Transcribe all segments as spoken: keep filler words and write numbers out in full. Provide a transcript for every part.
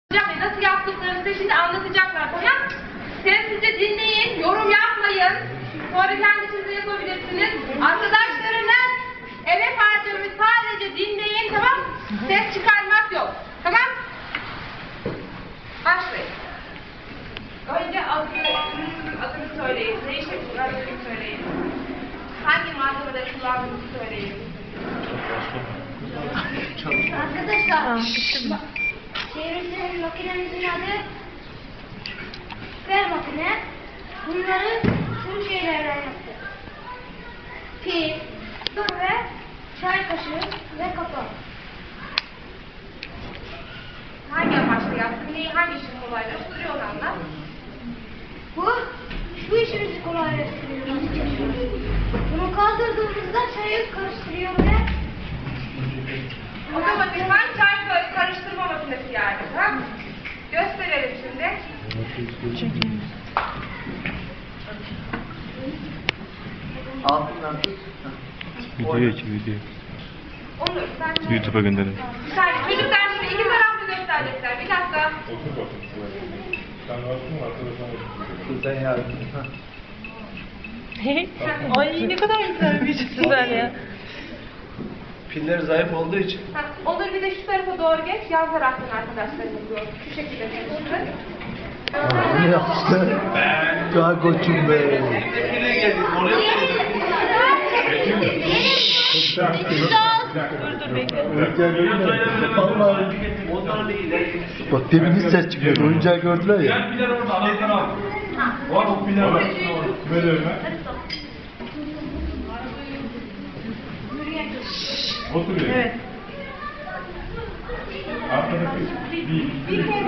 Nasıl yaptıklarını size şimdi anlatacaklar, tamam? Sessizce dinleyin, yorum yapmayın. Sonra kendi içinize yapabilirsiniz. Arkadaşlarınız emek harcıyormuş, sadece dinleyin, tamam? Ses çıkarmak yok, tamam? Başlayın. Önce adını, adını söyleyin. Ne işe kullandığını söyleyin. Hangi malzemeleri kullandığınızı söyleyin. Arkadaşlar, çevresinin makinemizin adı süper makine. Bunları tüm şeylerden yaptı. Pil, su ve çay kaşığı ve kapağı. Hangi amaçla yaptın? Neyi, hangi işin kolaylaştırıyor onu anlat. Bu, şu işimizi kolaylaştırıyor. Bunu kaldırdığımızda çayı karıştırıyor ve Otomatikman çay karıştırma makinesi yani. Tamam? Gösterelim şimdi. Altından tut. Video için video. Onur, sen YouTube'a gönderin. Bir saniye, çocuklar şimdi iki taraflı gösterecekler. Bir dakika. Sen yardım. Ay ne kadar güzel bir güzel ya. Piller zayıf olduğu için. Ha, Onur bir de şu tarafa doğru geç. Yan taraftan arkadaşlarımız yok. Şu şekilde çalıştır. Ne yapmışlar? Daha koçum be. Dur dur bekle. Vallahi. Bak demin hiç ses çıkmıyor. Oyuncağı gördüler ya. Piller orada anahtarı al. Var o piller var. Ver önüme. Oturuyor. Evet. Arkadaki bir, bir, bir,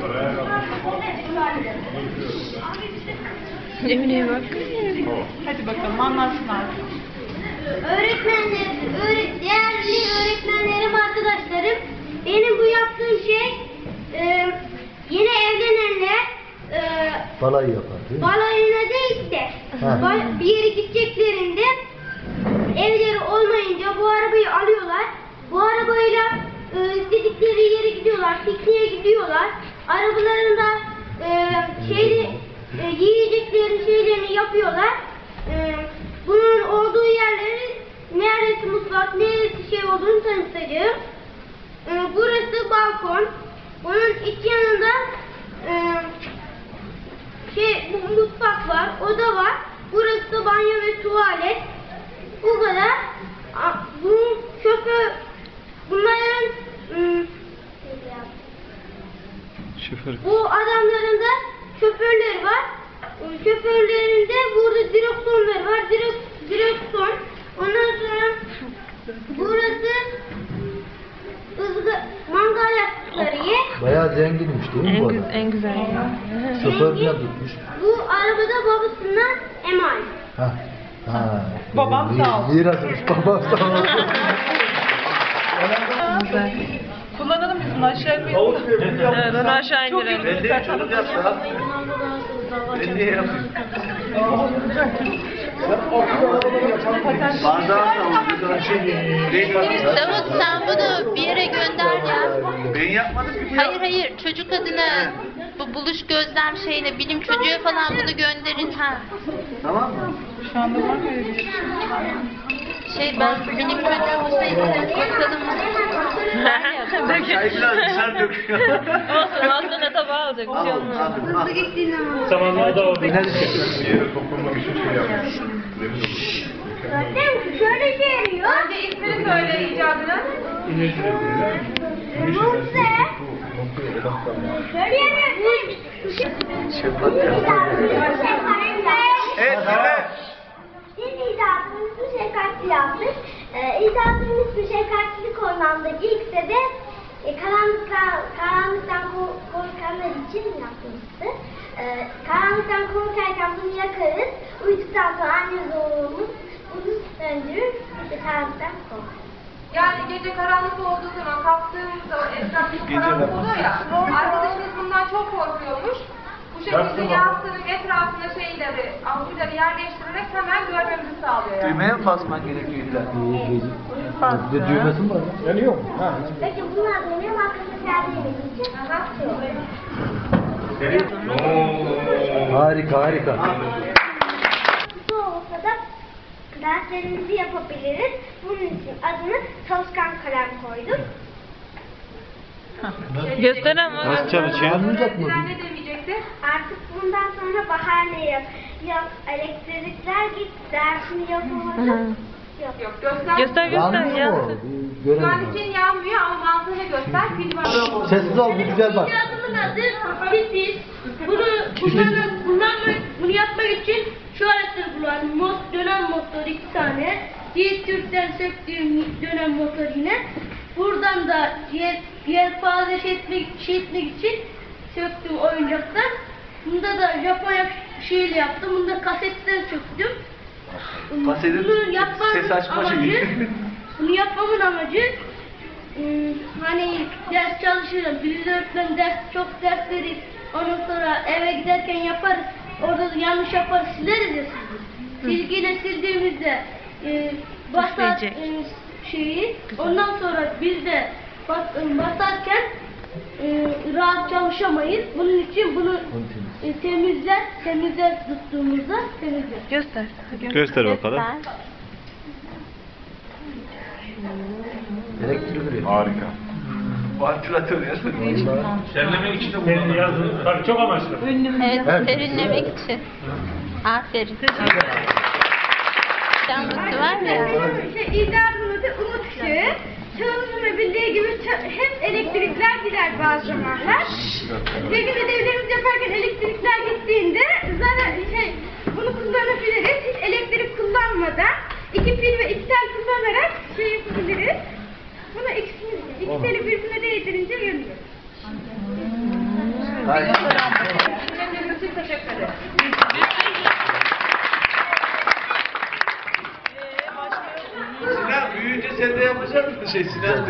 Emine'ye bak. Hadi bakalım anlatsın artık. öğretmenlerim, öğret değerli öğretmenlerim, arkadaşlarım, benim bu yaptığım şey e, yeni evlenenler e, Balayı yapar değil mi? balayına değil de Ha. ba- bir yere gideceklerinde evleri olmayınca bu arabayı alıyorlar. Bu arabayla e, istedikleri yere gidiyorlar, pikniğe gidiyorlar. Arabalarında e, şeyli, e, yiyeceklerin şeylerini yapıyorlar. E, bunun olduğu yerleri neresi mutfak, neresi şey olduğunu tanıtacağım. E, burası balkon. Bunun iç yanında e, şey bu mutfak var, oda var. Burası da banyo ve tuvalet. Bu kadar. A, Bu şoför, bunların ım, Şoför. bu adamların da şoförleri var. Im, Şoförlerinde burada direksiyonları var. Direk, direksiyon. Ondan sonra burası ızgı, mangal yaptıkları yer. Bayağı zenginmiş değil mi En, bu gü- adam? en güzel ya. Şoför Zengin. bile tutmuş. Bu arabada babasından emanet. Ha. Ha. Babam Mi- sağ olsun. Mirasmış. Babam sağ olsun. Güzel. Kullanalım biz bunu aşağı koyalım. Evet onu aşağı indirelim. Ben de çocuk yapsa. Ben niye yapayım? Davut sen bunu bir yere gönder ya. Ben yapmadım ki bu Hayır hayır çocuk adına bu buluş gözlem şeyine bilim çocuğu falan bunu gönderin ha. Tamam mı? Şu anda var mı öyle bir şey? Şey ben bilim çocuğu olsaydı bakalım. Çay biraz dışarı döküyor. Olsun aslında tabağı alacak bir şey olmaz. Hızlı gittiğini anladım. Zamanında da orada. Hadi çekiyorsun. Bir yere toplamak için şey yapmış. Zaten şöyle şey yarıyor. Önce ismini söyle icadını. Buse. Şöyle yarıyor. Şefkat Evet, evet. Biz icadımız bu şefkatli yaptık. Ee, icadımız bu şefkatlilik anlamdaki ilk de e, karanlıktan, karanlıktan ko- korkanlar için yaptığımızdı. Ee, karanlıktan korkarken bunu yakarız. Uyuduktan sonra anne zorluğumuz bunu söndürür. İşte karanlıktan korkar. Yani gece karanlık olduğu zaman kalktığımızda etraf çok karanlık oluyor ya. Arkadaşımız bundan çok korkuyormuş. Bu Bu şekilde yastığın etrafına şeyleri, ampulleri yerleştirerek hemen görmemizi sağlıyor yani. Düğmeye mi basman gerekiyor illa? Bir de düğmesi mi var? Yanıyor mu? Ha. Peki bunlar dönüyor mu? Arkadaşlar serdiğimiz için. Harika harika. Bu olsa da derslerimizi yapabiliriz. Bunun için adını çalışkan kalem koyduk. Gösteren var. Nasıl çalışıyor? Anlayacak mı? Öğrenciler ne demeyecekti? Artık bundan sonra bahane yap. Yap, elektrikler git, dersini yapamadın. Yok. Yok göster. Göster göster. Yanmıyor mu? Yansın. Bir Şu an Görelim. için yanmıyor ama mantığını göster. Pil var. Sessiz ol bir güzel bak. Adımın adı Pipis. Bunu kullanmak, kullanmak, bunu yapmak için şu aletleri kullandım. Mot, dönem motor iki tane. Yiğit Türk'ten söktüğüm dönem motor yine. Buradan da yer, yelpaze şey etmek, şey etmek için söktüm oyuncaktan. Bunda da Japonya şeyle yaptım. Bunda kasetten söktüm. Kasetin Bunu yapmamın ses açma şeyi. amacı, bunu yapmamın amacı ım, hani ders çalışırım. Birinci öğretmen ders, çok ders verir. Ondan sonra eve giderken yaparız. Orada da yanlış yaparız, sileriz ya silgi. Silgiyle sildiğimizde e, basar İşleyecek. e, şeyi. Ondan sonra biz de bas, e, basarken e, rahat çalışamayız. Bunun için bunu e, temizler, temizler tuttuğumuzda temizler. Göster. Göster bakalım. Elektrik ürüyor. Harika. Vantilatör ya. Serinlemek için de kullanılır. Yazın. Tabii çok amaçlı. Evet, Evet. serinlemek için. Aferin. Canlısı var mı ya? İşte icadımızı umut ışığı, çalışma bildiği gibi ça- hep elektrikler gider bazı zamanlar. Peki ödevlerimizi yaparken elektrikler gittiğinde zaten şey, bunu kullanabiliriz. Hiç elektrik kullanmadan iki pil ve iki tel kullanarak şey yapabiliriz. Bunu ikisini, iki teli birbirine değdirince yanıyor. Harika. Dinlediğiniz için teşekkür ederim. Sinan büyüyünce sen de yapacak mısın şey Sinan?